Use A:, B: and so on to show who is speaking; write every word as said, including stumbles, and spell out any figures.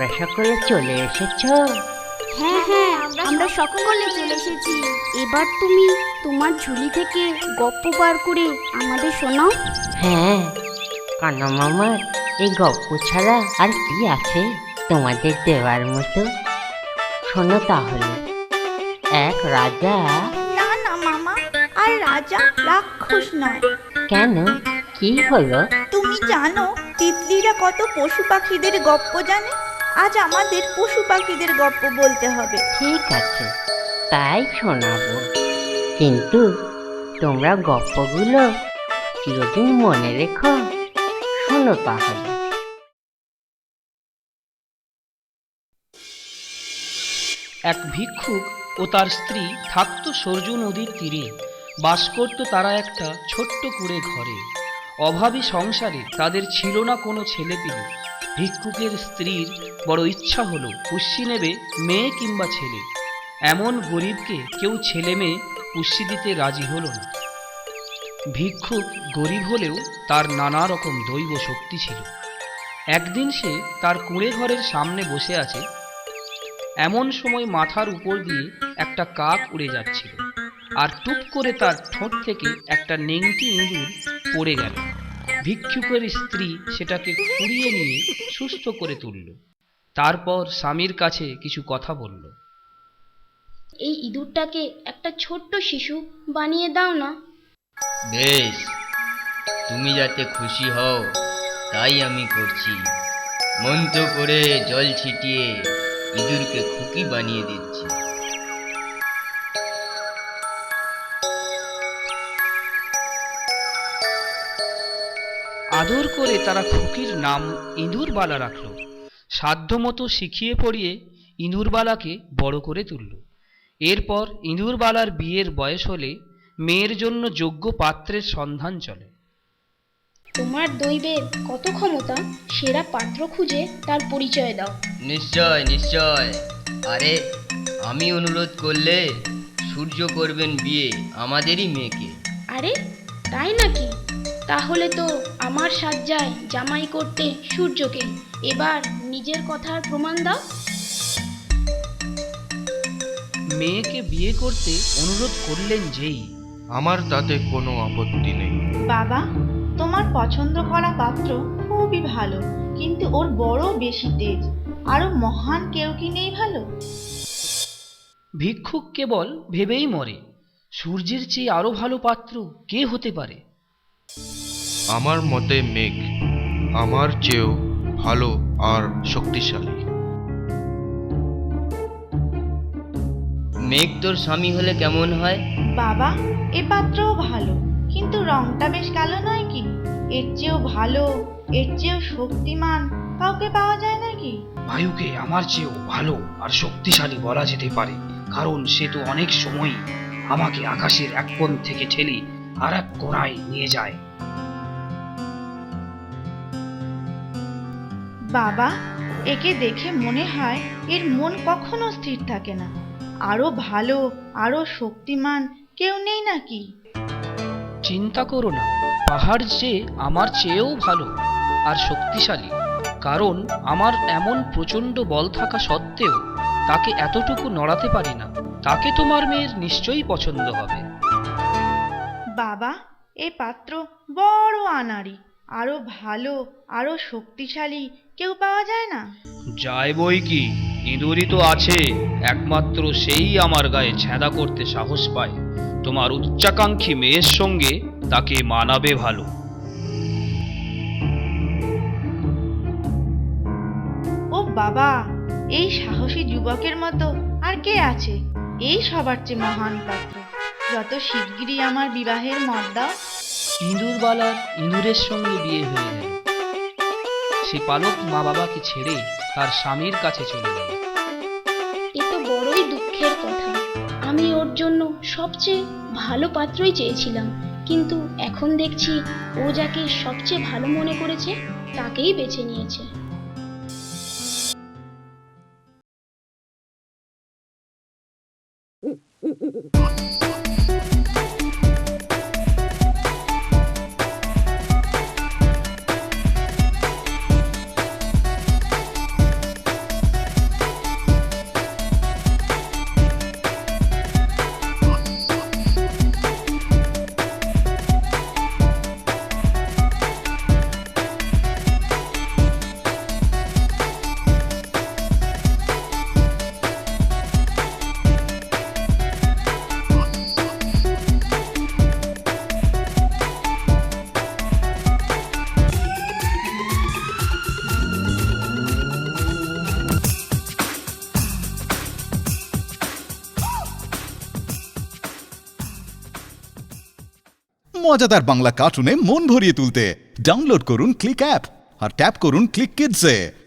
A: তোমরা সকলে চলে এসেছো?
B: হ্যাঁ হ্যাঁ আমরা সকলে চলে এসেছি। এবার তুমি তোমার ঝুলি থেকে গপ্প বার করে আমাদের শোনাও।
A: হ্যাঁ, কানা মামার এই গপ্প ছাড়া আর কি আছে তোমাদের দেওয়ার মতো? শোনো তাহলে। এক রাজা।
C: না না মামা, আর রাজা রাক্ষস নয়।
A: কেন, কি হলো?
C: তুমি জানো তিতলিরা কত পশু পাখিদের গপ্প জানে? আজ আমাদের পশু পাখিদের গপ্প বলতে হবে।
A: ঠিক আছে, তাই শোনাবো, কিন্তু তোমরা গপ্পগুলো চিরদিন মনে রেখো। শোনো তাহলে।
D: এক ভিক্ষুক ও তার স্ত্রী থাকতো সরজু নদীর তীরে। বাস করত তারা একটা ছোট্ট কুঁড়ে ঘরে। অভাবী সংসারে তাদের ছিল না কোনো ছেলেপিলে। ভিক্ষুকের স্ত্রীর বড় ইচ্ছা হলো পুষ্যি নেবে মেয়ে কিংবা ছেলে। এমন গরিবকে কেউ ছেলে মেয়ে পুষ্যি দিতে রাজি হলো না। ভিক্ষুক গরিব হলেও তার নানা রকম দৈব শক্তি ছিল। একদিন সে তার কুঁড়ে ঘরের সামনে বসে আছে। এমন সময় মাথার উপর দিয়ে একটা কাক উড়ে যাচ্ছিল, আর টুপ করে তার ঠোঁট থেকে একটা নেংটি ইঁদুর পড়ে গেল। ভিক্ষুকের স্ত্রী সেটাকে কুড়িয়ে নিয়ে সুস্থ করে তুলল। তারপর স্বামীর কাছে কিছু কথা বলল।
B: এই ইঁদুরটাকে একটা ছোট্ট শিশু বানিয়ে দাও না।
E: বেশ, তুমি যাতে খুশি হও তাই আমি করছি। মন্ত্র করে জল ছিটিয়ে ইঁদুরকে খুকি বানিয়ে দিচ্ছি।
D: আদর করে তারা খুকির নাম ইঁদুরবালা রাখল। সাধ্যমতো শিখিয়ে পড়িয়ে ইঁদুরবালাকে বড় করে তুলল। এরপর ইঁদুরবালার বিয়ের বয়স হলে মেয়ের জন্য যোগ্য পাত্রের সন্ধান চলে।
B: তোমার দৈবের কত ক্ষমতা, সেরা পাত্র খুঁজে তার পরিচয় দাও।
E: নিশ্চয় নিশ্চয়। আরে, আমি অনুরোধ করলে সূর্য করবেন বিয়ে আমাদেরই মেয়েকে।
B: আরে তাই নাকি? তাহলে তো আমার সাজ্জায় জামাই করতে সূর্যকে। এবার নিজের কথার প্রমাণ দাও।
D: মেয়েকে বিয়ে করতে অনুরোধ করলেন যেই।
F: আমার তাতে কোনো আপত্তি নেই।
C: বাবা, তোমার পছন্দ করা পাত্র খুবই ভালো, কিন্তু ওর বড় বেশি তেজ। আরো মহান কেউ কি নেই ভালো?
D: ভিক্ষুক কেবল ভেবেই মরে, সূর্যের চেয়ে আরো ভালো পাত্র কে হতে পারে?
F: আমার মতে মেঘ আমার চেয়েও ভালো আর শক্তিশালী।
E: মেঘ তোর স্বামী হলে কেমন হয়?
C: বাবা, এ পাত্রও ভালো, কিন্তু রংটা বেশ কালো নয় কি? এর চেয়েও ভালো, এর চেয়েও শক্তিমান কাউকে পাওয়া যায় নাকি?
D: বায়ুকে আমার চেয়েও ভালো আর শক্তিশালী বলা যেতে পারে, কারণ সে তো অনেক সময় আমাকে আকাশের এক কোণ থেকে ঠেলে আর এক কোণায় নিয়ে যায়।
C: বাবা, একে দেখে মনে হয় এর মন কখনো স্থির থাকে না। আরো ভালো, আরো শক্তিমান কেউ নেই নাকি?
D: চিন্তা করো না, পাহাড় যে আমার চেয়েও ভালো আর শক্তিশালী, কারণ আমার এমন প্রচণ্ড বল থাকা সত্ত্বেও তাকে এতটুকু নড়াতে পারি না। তাকে তোমার মেয়ের নিশ্চয়ই পছন্দ হবে।
C: বাবা, এ পাত্র বড় আনাড়ি। আরো ভালো, আরো শক্তিশালী কেউ পাওয়া যায় না?
D: যায় বই কি, ইঁদুরই তো আছে, একমাত্র সেই আমার গায়ে ছেঁদা করতে সাহস পায়। তোমার উচ্চাকাঙ্ক্ষী মেয়ের সঙ্গে তাকে মানাবে ভালো।
C: ও বাবা, এই সাহসী যুবকের মতো আর কে আছে? এই সবার চেয়ে মহান পাত্র। যত শিগগিরই আমার বিবাহের মত দাও।
D: ইঁদুরবালার ইঁদুরের সঙ্গে বিয়ে হয়ে গেল। সে পালক মা বাবাকে ছেড়ে তার স্বামীর কাছে চলে গেল।
B: এ তো বড়ই দুঃখের কথা। আমি ওর জন্য সবচেয়ে ভালো পাত্রই চেয়েছিলাম, কিন্তু এখন দেখছি ও যাকে সবচেয়ে ভালো মনে করেছে তাকেই বেছে নিয়েছে।
G: মজাদার বাংলা কার্টুনে মন ভরিয়ে তুলতে ডাউনলোড করুন ক্লিক অ্যাপ আর ট্যাপ করুন ক্লিক কিডসে।